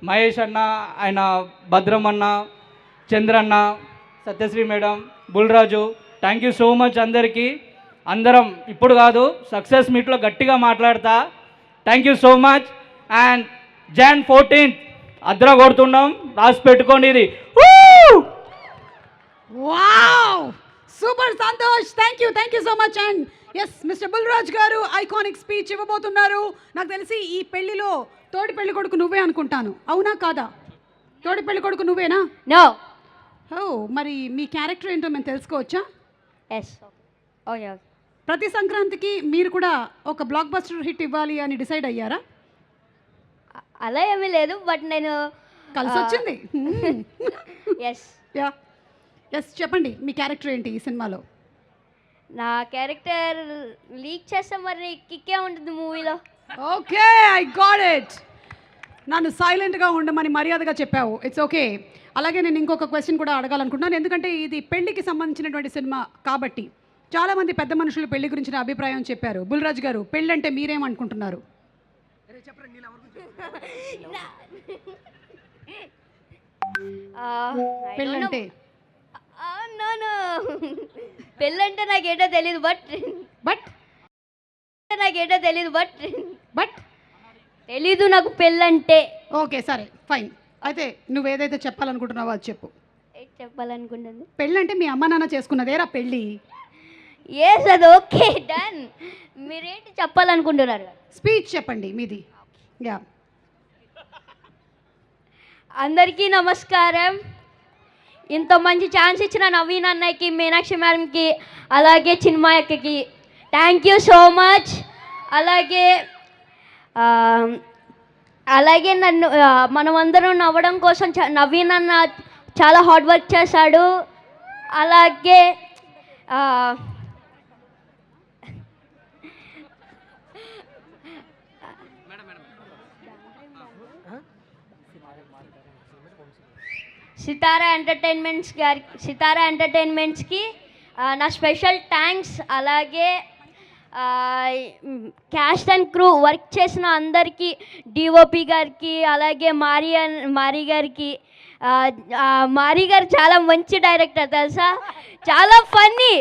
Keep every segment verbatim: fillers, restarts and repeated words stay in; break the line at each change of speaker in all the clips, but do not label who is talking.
మహేష్ అన్న, ఆయన భద్రం అన్న, Chandranna, Satyasri madam, Bulraju, thank you so much అందరికీ. అందరం ఇప్పుడు కాదు సక్సెస్ మీట్లో గట్టిగా మాట్లాడతా. Thank you so much. And Jan fourteenth అద్ర కొడుతున్నాం, రాసి పెట్టుకోండి ఇది.
Wow, super Santosh, thank you thank you so much. And yes, mister Bulraj garu iconic speech ఇవ్వబోతున్నారు. నాకు తెలిసి ఈ పెళ్లిలో తోడి పెళ్లి కొడుకు నువ్వే అనుకుంటాను, అవునా కాదా? తోడి పెళ్లి కొడుకు నువ్వేనా?
నో.
ఓ, మరి మీ క్యారెక్టర్ ఏంటో మేము తెలుసుకోవచ్చా?
ఎస్. ఓకే.
ప్రతి సంక్రాంతికి మీరు కూడా ఒక బ్లాక్ బస్టర్ హిట్ ఇవ్వాలి అని డిసైడ్ అయ్యారా?
అలా ఏమీ లేదు, బట్ నేను
కలిసి వచ్చింది.
ఎస్.
యా, ఎస్, చెప్పండి మీ క్యారెక్టర్ ఏంటి ఈ సినిమాలో?
నా క్యారెక్టర్ లీక్ చేస్తే మరి కిక్కే ఉంటుంది మూవీలో.
Okay, I got it. నన్ను సైలెంట్గా ఉండమని మర్యాదగా చెప్పావు, ఇట్స్ ఓకే. అలాగే నేను ఇంకొక క్వశ్చన్ కూడా అడగాలనుకుంటున్నాను, ఎందుకంటే ఇది పెళ్లికి సంబంధించినటువంటి సినిమా కాబట్టి చాలామంది పెద్ద మనుషులు పెళ్లి గురించిన అభిప్రాయం చెప్పారు. బుల్రాజ్ గారు, పెళ్ళి అంటే మీరేమనుకుంటున్నారు? పెళ్ళంటే
పెళ్ళంటే నాకేటో తెలీదు, బట్
బట్
నాకేటో తెలీదు బట్
బట్
తెలీదు నాకు పెళ్ళంటే.
ఓకే, సరే, ఫైన్. అయితే నువ్వు ఏదైతే చెప్పాలనుకుంటున్నావో అది చెప్పు.
చెప్పాలనుకుంటుంది
పెళ్ళంటే మీ అమ్మ నాన్న చేసుకున్నదేరా పెళ్ళి.
ఎస్, అది ఓకే, డన్. మీరేంటి చెప్పాలనుకుంటున్నారు?
స్పీచ్ చెప్పండి మీది. యా.
అందరికీ నమస్కారం. ఇంత మంచి ఛాన్స్ ఇచ్చిన నవీన్ అన్నయ్యకి, మీనాక్షి మేడంకి, అలాగే చిన్మయక్కకి థ్యాంక్ యూ సో మచ్. అలాగే అలాగే నన్ను మనమందరం నవ్వడం కోసం నవీన్ అన్న చాలా హార్డ్ వర్క్ చేశాడు. అలాగే సితారా ఎంటర్టైన్మెంట్స్ గారి సితారా ఎంటర్టైన్మెంట్స్కి నా స్పెషల్ థ్యాంక్స్. అలాగే క్యాస్ట్ అండ్ క్రూ వర్క్ చేసిన అందరికీ, డిఓపి గారికి, అలాగే మారి మారి గారికి. మారి గారు చాలా మంచి డైరెక్టర్ తెలుసా, చాలా ఫన్నీ.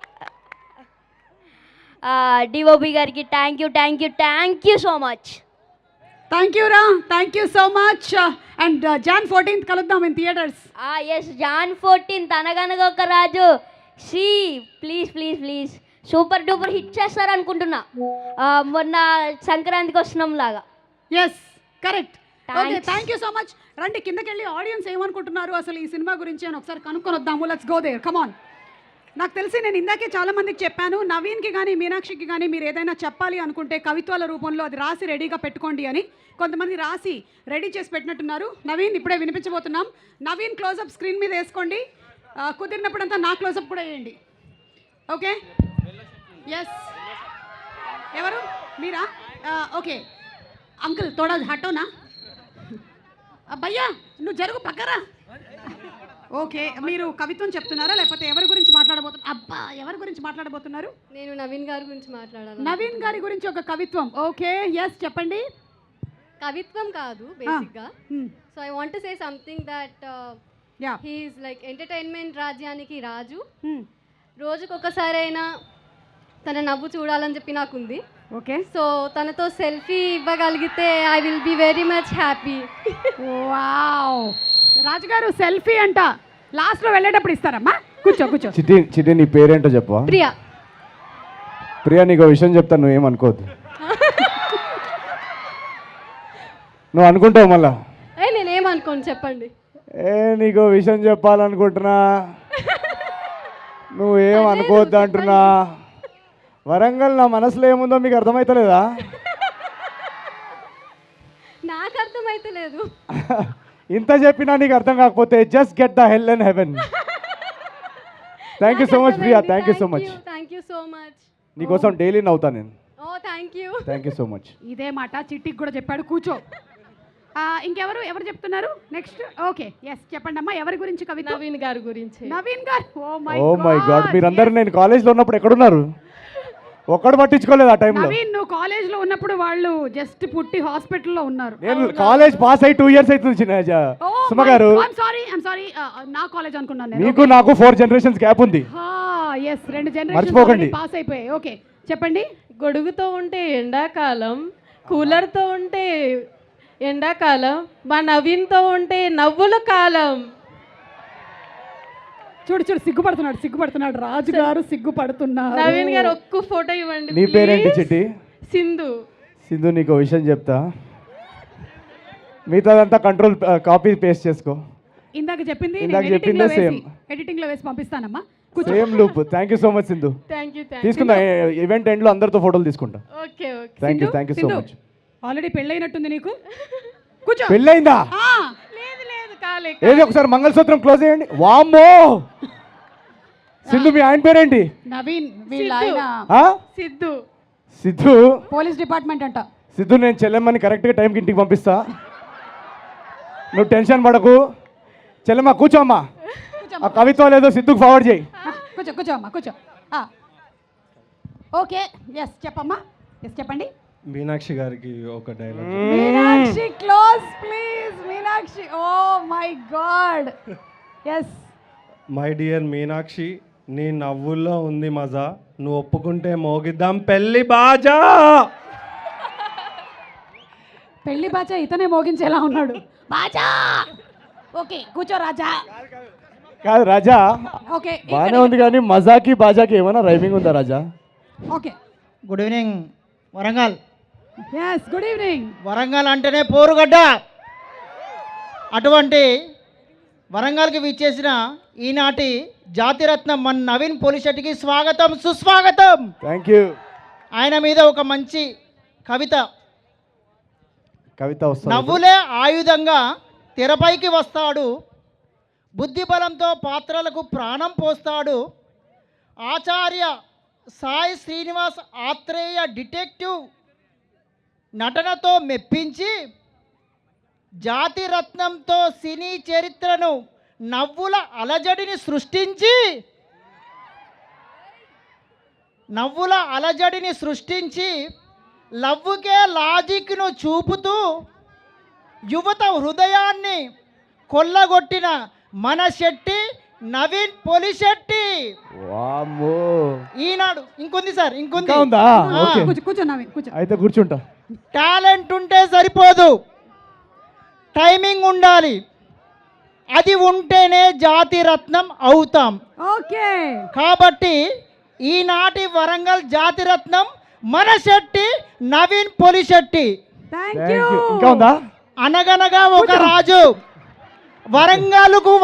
డిఓపి గారికి thank you thank you thank you so much.
Thank you రా, thank you so much. And Jan fourteenth కలుద్దాం in theatres.
Yes, Jan fourteenth Anaganaga Oka Raju. See please please please super duper hit చేస్తారు అనుకుంటున్నా, మొన్న సంక్రాంతికి వస్తున్నాం లాగా.
Yes, correct. Okay, thank you so much. రండి కిందకి వెళ్ళి ఆడియన్స్ ఏమనుకుంటున్నారు అసలు ఈ సినిమా గురించి అని ఒకసారి కనుక్కొని వద్దాము. Let's go there, come on. నాకు తెలిసి నేను ఇందాకే చాలా మందికి చెప్పాను, నవీన్కి కానీ మీనాక్షికి కానీ మీరు ఏదైనా చెప్పాలి అనుకుంటే కవిత్వాల రూపంలో అది రాసి రెడీగా పెట్టుకోండి అని. కొంతమంది రాసి రెడీ చేసి పెట్టినట్టున్నారు. నవీన్ ఇప్పుడే వినిపించబోతున్నాం. నవీన్ క్లోజప్ స్క్రీన్ మీద వేసుకోండి, కుదిరినప్పుడంతా నా క్లోజప్ కూడా వేయండి. Okay, yes. ఎవరు మీరా? ఓకే అంకుల్, తోడా హటోనా భయ్యా, నువ్వు జరుగు పక్కరా. ఓకే, మీరు కవిత్వం చెప్తున్నారా లేకపోతే ఎవరి గురించి మాట్లాడబోతున్నారు? అబ్బా, ఎవరి గురించి మాట్లాడబోతున్నారు?
నేను నవీన్ గారి గురించి మాట్లాడాలి.
నవీన్ గారి గురించి ఒక కవిత్వం. ఓకే, ఎస్, చెప్పండి.
కవిత్వం కాదు బేసిక్గా. So I want to say something that he is like entertainment రాజ్యానికి రాజు. రోజుకొకసారైనా తన నవ్వు చూడాలని చెప్పి నాకుంది.
ఓకే,
సో తనతో సెల్ఫీ ఇవ్వగలిగితే I will be very much happy.
Wow, రాజుగారు సెల్ఫీ అంట లాస్ట్లో వెళ్ళేటప్పుడు ఇస్తారమ్మా. కూర్చో కూర్చో.
చిట్టి చిట్టి నీ పేరేంటో చెప్పవా?
ప్రియా.
ప్రియా, నీకు విషయం చెప్తాను, నువ్వేమనుకోవద్దు. నువ్వు అనుకుంటావు మళ్ళా?
ఏ నేనేమనుకోను, చెప్పండి.
ఏ నీకు విషయం చెప్పాలనుకుంటున్నా, నువ్వేం అనుకోవద్దు అంటున్నా. వరంగల్ నా మనసులో ఏముందో మీకు అర్థమవుతలేదా?
నాకు అర్థమైతే లేదు.
ఇంత చెప్పినా నీకు అర్థం కాకపోతే just get the hell and heaven. Thank you so much Priya, thank you so much.
Thank you so much.
నీకోసం డైలీ నవ్వుతా నేను.
ఓ thank you
thank you so much.
ఇదే మాట చిట్టికి కూడా చెప్పాడు. కూర్చో. ఇంకెవరు ఎవరు చెప్తున్నారు నెక్స్ట్? ఓకే, ఎస్, చెప్పండి అమ్మా, ఎవరి గురించి కవిత?
నవీన్ గారి గురించి.
Naveen garu. Oh my
oh my god, మీరందరూ నేను కాలేజ్లో ఉన్నప్పుడు ఎక్కడున్నారు? ఒక్కడు పట్టించుకోలేదు ఆ టైంలో.
నవీన్ నువ్వు కాలేజ్ లో ఉన్నప్పుడు వాళ్ళు జస్ట్ పుట్టి హాస్పిటల్లో ఉన్నారు.
నేను కాలేజ్ పాస్ అయ్యి టూ ఇయర్స్ అవుతుంది చిన్న Suma garu.
Sorry I'm sorry నా కాలేజ్ అనుకున్నాను నేను.
మీకు నాకు ఫోర్ జనరేషన్స్ గ్యాప్ ఉంది.
ఎస్ రెండు
మర్చిపోకండి.
జనరేషన్ పాస్ అయిపోయాయి. ఓకే చెప్పండి.
గొడుగుతో ఉంటే ఎండాకాలం, కూలర్తో ఉంటే ఎండాకాలం, మా నవీన్తో ఉంటే నవ్వుల కాలం.
చూడు చూడు సిగ్గుపడుతున్నాడు సిగ్గుపడుతున్నాడు రాజు గారు సిగ్గుపడుతున్నారు.
నవీన్ గారు ఒక్క ఫోటో ఇవ్వండి
నీ పేరేంటి
please.
చిట్టి?
సింధు.
సింధు నీకు ఓ విషయం చెప్తా, మిగతాదంతా కంట్రోల్ కాపీ పేస్ట్ చేసుకో.
ఇందాక చెప్పింది
ఇందాక చెప్పిందే సేమ్.
ఎడిటింగ్ లో వేసి పంపిస్తానమ్మా. కూర్చో.
Same loop. Thank you so much Sindhu.
Thank you thank
తీసుకుందా ఈవెంట్ ఎండ్ లో అందరితో ఫోటోలు తీసుకుంటా.
Okay okay.
Thank you thank you so much.
Already పెళ్ళైనట్టుంది నీకు. కూర్చో.
పెళ్ళైందా?
ఆ,
లేదు లేదు కాలే.
ఏది ఒకసారి మంగళసూత్రం క్లోజ్ చేయండి. వామ్మో సింధు మీ ఆయన పేరేంటి?
నవీన్ వీళ్ళ
సిద్ధు.
ఆయన
ఆ?
సిద్ధు.
సిద్ధు.
పోలీస్ డిపార్ట్మెంట్ అంట.
సిద్ధు నేను చెల్లెమ్మని కరెక్ట్గా టైంకి ఇంటికి పంపిస్తా, నువ్వు టెన్షన్ పడకు. చెల్లెమ్మ కూర్చోమ్మా, ఆ కవిత్వం లేదో సిద్ధుకు ఫార్వర్డ్ చేయి.
కూర్చో కూర్చో అమ్మా కూర్చో. ఓకే ఎస్ చెప్పమ్మా. ఎస్ చెప్పండి.
మీనాక్షి గారికి ఒక dialogue.
Meenakshi close please. Meenakshi oh my god. Yes
my dear Meenakshi, నీ నవ్వుల్లో ఉంది మజా, నువ్వు ఒప్పుకుంటే మోగిద్దాం పెళ్లి బాజా.
పెళ్లి బాచా ఇతనే మోగించేలా ఉన్నాడు. బాచా ఓకే కూర్చో రాజా.
కాదు రాజా,
ఓకే
బాగానే ఉంది కానీ మజాకి బాజాకి ఏమైనా రైమింగ్ ఉందా Raja?
Okay
good evening Warangal.
Yes good evening.
Warangal అంటేనే పోరుగడ్డ. అటువంటి వరంగల్కి విచ్చేసిన ఈనాటి జాతిరత్నం మన నవీన్ పోలిశెట్టికి స్వాగతం సుస్వాగతం.
Thank you.
ఆయన మీద ఒక మంచి కవిత.
కవిత వస్తుంది.
నవ్వులే ఆయుధంగా తెరపైకి వస్తాడు, బుద్ధి బలంతో పాత్రలకు ప్రాణం పోస్తాడు. ఆచార్య సాయి శ్రీనివాస్ ఆత్రేయ డిటెక్టివ్ నటనతో మెప్పించి, జాతి రత్నంతో సినీ చరిత్రను నవ్వుల అలజడిని సృష్టించి నవ్వుల అలజడిని సృష్టించి లవ్వుకే లాజిక్ను చూపుతూ యువత హృదయాన్ని కొల్లగొట్టిన మన శెట్టి నవీన్ పోలిశెట్టి.
వామ్మో.
ఈనాడు ఇంకొంది సార్ ఇంకొంది.
ఇంకా ఉందా?
ఆ.
ఓకే.
కూర్చో కూర్చో నవీన్ కూర్చో.
అయితే కూర్చుంటా.
టాలెంట్ ఉంటే సరిపోదు, టైమింగ్ ఉండాలి. అది ఉంటేనే జాతి రత్నం అవుతాం.
ఓకే
కాబట్టి ఈనాటి వరంగల్ జాతి రత్నం మన Shetty Naveen Polishetty.
Thank
thank
you.
You. ఇంకా ఉందా?
అనగనగా ఒక రాజు వరంగల్కు